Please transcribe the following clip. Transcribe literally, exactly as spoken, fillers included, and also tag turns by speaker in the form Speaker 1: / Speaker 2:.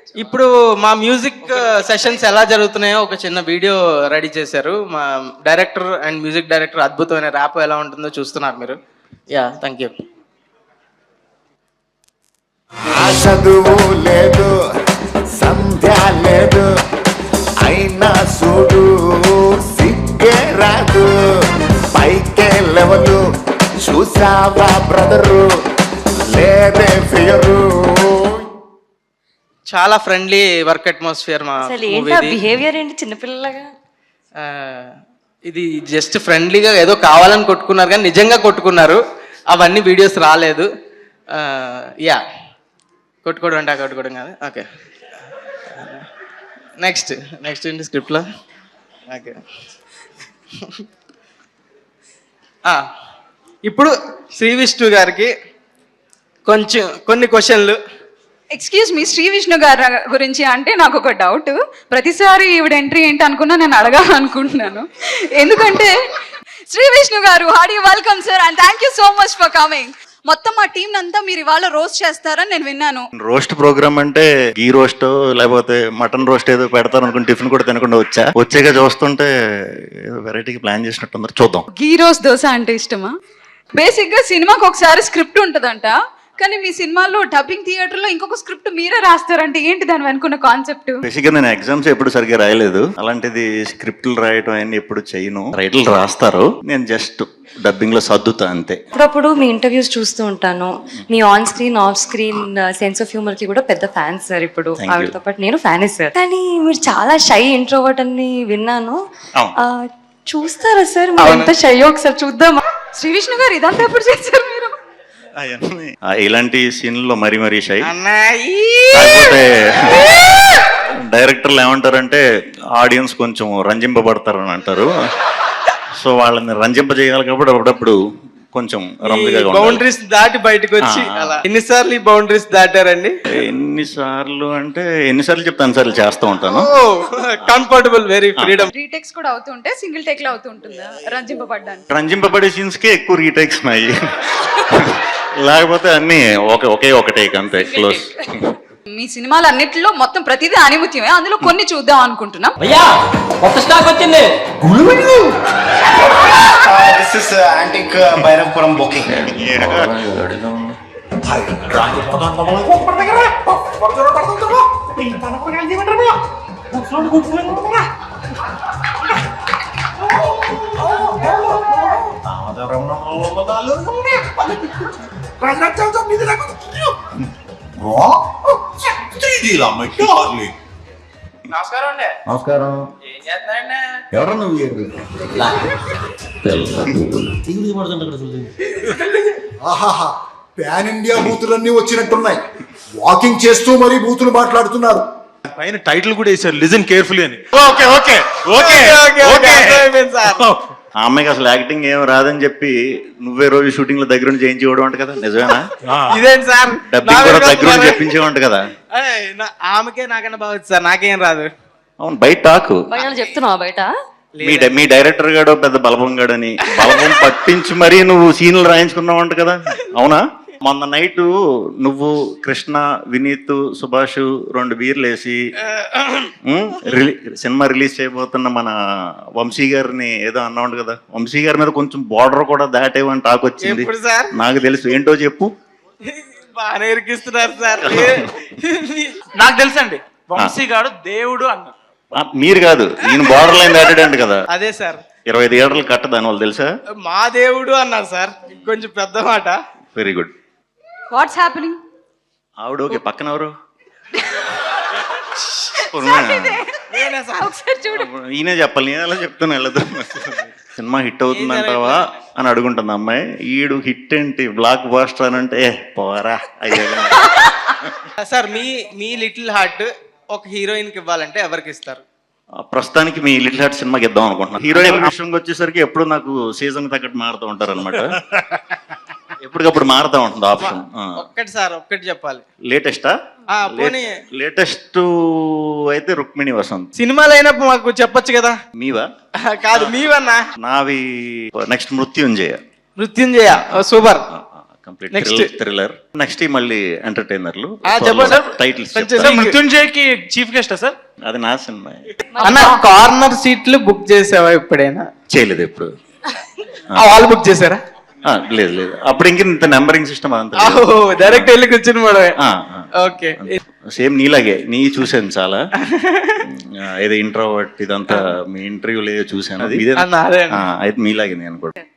Speaker 1: ఇప్పుడు మా music sessions ఎలా జరుగుతున్నాయో ఒక చిన్న వీడియో రెడీ చేశారు మా డైరెక్టర్ అండ్ మ్యూజిక్ డైరెక్టర్. అద్భుతమైన ర్యాప్ ఎలా ఉంటుందో చూస్తున్నారు మీరు. Yeah, thank you.
Speaker 2: చదువు లేదు, సంధ్య లేదు, అయినా చూడు సిగ్గే రాదు, పైకే లెవలు చూసావా బ్రదరు, లేదే ఫియరు.
Speaker 1: చాలా ఫ్రెండ్లీ వర్క్ అట్మాస్ఫియర్ మా
Speaker 3: బిహేవియర్ ఏంటి చిన్నపిల్లలాగా.
Speaker 1: ఇది జస్ట్ ఫ్రెండ్లీగా ఏదో కావాలని కొట్టుకున్నారు కానీ నిజంగా కొట్టుకున్నారు. అవన్నీ వీడియోస్ రాలేదు. యా, కొట్టుకోవడం అంటే కొట్టుకోవడం కాదు. ఓకే, నెక్స్ట్ నెక్స్ట్ ఏంటి స్క్రిప్ట్లో? ఓకే, ఇప్పుడు శ్రీ విష్ణు గారికి కొంచెం కొన్ని క్వశ్చన్లు.
Speaker 4: ఎక్స్క్యూజ్ మీ, శ్రీ విష్ణు గారి గురించి అంటే నాకు ఒక డౌట్. ప్రతిసారి ఈవిడ ఎంట్రీ ఏంటి అనుకున్నా నేను అడగాలనుకుంటున్నాను. ఎందుకంటే Shri Vishnu garu, hearty welcome sir and thank you so much for coming. మొత్తం మా టీం అంతా మీరు ఇవాళ రోస్ట్ చేస్తారని నేను విన్నాను.
Speaker 5: రోస్ట్ ప్రోగ్రామ్ అంటే గీ రోస్ట్ లేకపోతే మటన్ రోస్ట్ ఏదో పెడతారు అనుకుని టిఫిన్ కూడా తినకుండా వచ్చా వచ్చాక చూస్తుంటే ఏదో వెరైటీగా ప్లాన్ చేసినట్టు. చూద్దాం.
Speaker 4: గీ రోస్ట్ దోశ అంటే ఇష్టమా? బేసిక్ గా సినిమాకి ఒకసారి స్క్రిప్ట్ ఉంటుందంట, కానీ మీ సినిమాలో డబ్బింగ్ థియేటర్ లో ఇంకొక స్క్రిప్ట్ మీరే రాస్తారంటే ఏంటి దాని వెనుకున్న కాన్సెప్ట్?
Speaker 5: బేసిక్ గా నేను ఎగ్జామ్స్ ఎప్పుడు సరిగ్గా రాయలేదు, అలాంటిది స్క్రిప్ట్లు రాయటం అన్ని ఎప్పుడు చేయను. రైటర్లు రాస్తారు, నేను జస్ట్ డబ్బింగ్ లో సర్దుతా అంతే.
Speaker 3: అప్పుడప్పుడు మీ ఇంటర్వ్యూస్ చూస్తూ ఉంటాను. మీ on screen off screen sense of humour కి కూడా పెద్ద ఫ్యాన్ సార్. ఇప్పుడు ఆవిడతో పాటు నేను ఫ్యానే సార్. కానీ మీరు చాలా షై ఇంట్రోవర్ట్ అని విన్నాను. చూస్తారా సార్ మీరు ఎంత షై? ఒకసారి చూద్దామా?
Speaker 4: శ్రీ విష్ణు గారు ఇదంతా ఎప్పుడు చేశారు మీరు?
Speaker 5: ఇలాంటి సీన్లలో మరీ మరీ షై. కాకపోతే డైరెక్టర్లు ఏమంటారంటే ఆడియన్స్ కొంచెం రంజింపబడతారు అని అంటారు. సో వాళ్ళని రంజింప చేయాలి కాబట్టి అప్పుడప్పుడు కొంచెం
Speaker 1: బౌండరీస్ దాటి బయటకు వచ్చి. ఎన్నిసార్లు ఈ బౌండరీస్ దాటారండి?
Speaker 5: ఎన్నిసార్లు అంటే ఎన్నిసార్లు చెప్తాను సార్లు చేస్తూ ఉంటాను.
Speaker 1: Comfortable, very freedom.
Speaker 4: రీటేక్స్ కూడా అవుతుంటే సింగిల్ టేక్ లో అవుతుంటుందా రంజింపబడ్డానికి?
Speaker 5: రంజింపబడే సీన్స్ కి ఎక్కువ రీటేక్స్ ఉన్నాయి, లేకపోతే అన్ని ఒకే ఒకే ఒక టేక్ అంతే, క్లోజ్.
Speaker 4: మీ సినిమాలు అన్నిటిలో మొత్తం ప్రతిదీ ఆనిముత్యమే, అందులో కొన్ని చూద్దాం అనుకుంటున్నాం.
Speaker 6: కొత్త స్టాక్ వచ్చింది.
Speaker 2: This is antique Bhairavapuram booking.
Speaker 1: నమస్కారం అండి.
Speaker 6: నమస్కారం.
Speaker 1: ఏం చేస్తున్నారండి?
Speaker 6: ఎవరు నువ్వు?
Speaker 2: ఆహాహా, పాన్ ఇండియా బూతులన్నీ వచ్చినట్టున్నాయి. వాకింగ్ చేస్తూ మరీ బూతులు మాట్లాడుతున్నారు.
Speaker 7: పైన టైటిల్ కూడా వేసారు, లిజన్ కేర్ఫుల్లీ అని.
Speaker 5: Okay okay okay okay.
Speaker 1: Sir,
Speaker 5: ఆ అమ్మాయికి అసలు యాక్టింగ్ ఏం రాదని చెప్పి నువ్వే రోజు షూటింగ్ లో దగ్గర నుంచి చేయించేవాడు అంట కదా, నిజమేనా?
Speaker 1: ఇదేంటి సార్,
Speaker 5: డబ్బింగ్ కూడా దగ్గర నుంచి చెప్పించేవాడు కదా.
Speaker 1: ఆమెకే నాకన్నా బాగా సార్, నాకేం రాదు.
Speaker 5: అవును, బయట టాకు
Speaker 3: చెప్తున్నావా బయట?
Speaker 5: మీ మీ డైరెక్టర్ గాడు పెద్ద బలపం గాడని బలపం పట్టించి మరీ నువ్వు సీన్లు రాయించుకున్నావు అంట కదా, అవునా? మొన్న నైట్ నువ్వు, కృష్ణ, వినీత్, సుభాష్ రెండు బీర్లు వేసి సినిమా రిలీజ్ చేయబోతున్న మన వంశీ గారిని ఏదో అన్నావు కదా, వంశీ గారి మీద కొంచెం బార్డర్ కూడా దాటేవని టాక్ వచ్చింది. నాకు తెలుసు, ఏంటో చెప్పు.
Speaker 1: బాగా ఇరికిస్తున్నారు సార్.
Speaker 7: నాకు తెలుసండి, వంశీ గారు దేవుడు అన్న.
Speaker 5: మీరు కాదు, ఈయన బార్డర్ లైన్ దాటాడంట కదా.
Speaker 1: అదే సార్,
Speaker 5: ఇరవై ఐదు ఏళ్ళు కట్ట దాని వాళ్ళు తెలుసా?
Speaker 1: మా దేవుడు అన్నారు సార్, కొంచెం పెద్ద మాట.
Speaker 5: Very good.
Speaker 4: What's happening?
Speaker 5: ఆవిడ ఓకే, పక్కన ఎవరు? ఈయనే చెప్పాలి, నేను ఎలా చెప్తాను వెళ్ళదు. సినిమా హిట్ అవుతుందంటావా అని అడుగుంటుంది అమ్మాయి. ఈడు హిట్ ఏంటి, బ్లాక్ బాస్టర్ అని అంటే పోరా అయ్యా.
Speaker 1: సార్, మీ మీ లిటిల్ హార్ట్ ఒక హీరోయిన్ కి ఇవ్వాలంటే ఎవరికి ఇస్తారు?
Speaker 5: ప్రస్తుతానికి మీ లిటిల్ హార్ట్ సినిమాకి ఇద్దాం అనుకుంటున్నాను. హీరోయిన్ విషయంకి వచ్చేసరికి ఎప్పుడు నాకు సీజన్ తగ్గట్టు మారుతూ ఉంటారు అనమాట. ఎప్పటికప్పుడు మారుతా ఉంటుంది ఆప్షన్.
Speaker 1: ఒక్కటి సార్, ఒక్కటి చెప్పాలి.
Speaker 5: లేటెస్టా? లేటెస్ట్ అయితే రుక్మిణి వసంత్.
Speaker 1: సినిమాలు అయినప్పుడు మాకు చెప్పొచ్చు కదా.
Speaker 5: మీవా?
Speaker 1: కాదు, మీవన్నా.
Speaker 5: నావి next Mrityunjaya.
Speaker 1: Mrityunjaya super.
Speaker 5: Complete
Speaker 1: Next.
Speaker 5: Thriller. Next మళ్ళీ ఎంటర్టైనర్లు.
Speaker 1: ఆ, చెప్పండి సార్.
Speaker 5: టైటిల్స్
Speaker 1: కొంచెం
Speaker 7: సార్ మృత్యుంజయ్కి చీఫ్ గెస్ట్ సార్?
Speaker 5: అది నా సినిమా.
Speaker 1: అన్న కార్నర్ సీట్లు బుక్ చేసావా ఎప్పుడైనా?
Speaker 5: చేయలేదు ఎప్పుడు.
Speaker 1: ఆ వాళ్ళు బుక్ చేశారా?
Speaker 5: ఆ, లేదు లేదు అప్పుడు ఇంక ఇంత నెంబరింగ్ సిస్టమ్ అంతా
Speaker 1: డైరెక్ట్ వెళ్ళి కూర్చుని పోవడమే. ఓకే.
Speaker 5: సేమ్ నీలాగే నీ చూశాను చాలా. ఆ, ఏదో ఇంట్రోవర్ట్ ఇదంతా మీ ఇంటర్వ్యూలో చూశాను. అది ఇదే
Speaker 1: అన్న, అదే అన్న.
Speaker 5: ఆ, అయితే మీలాగే నేను కూడా.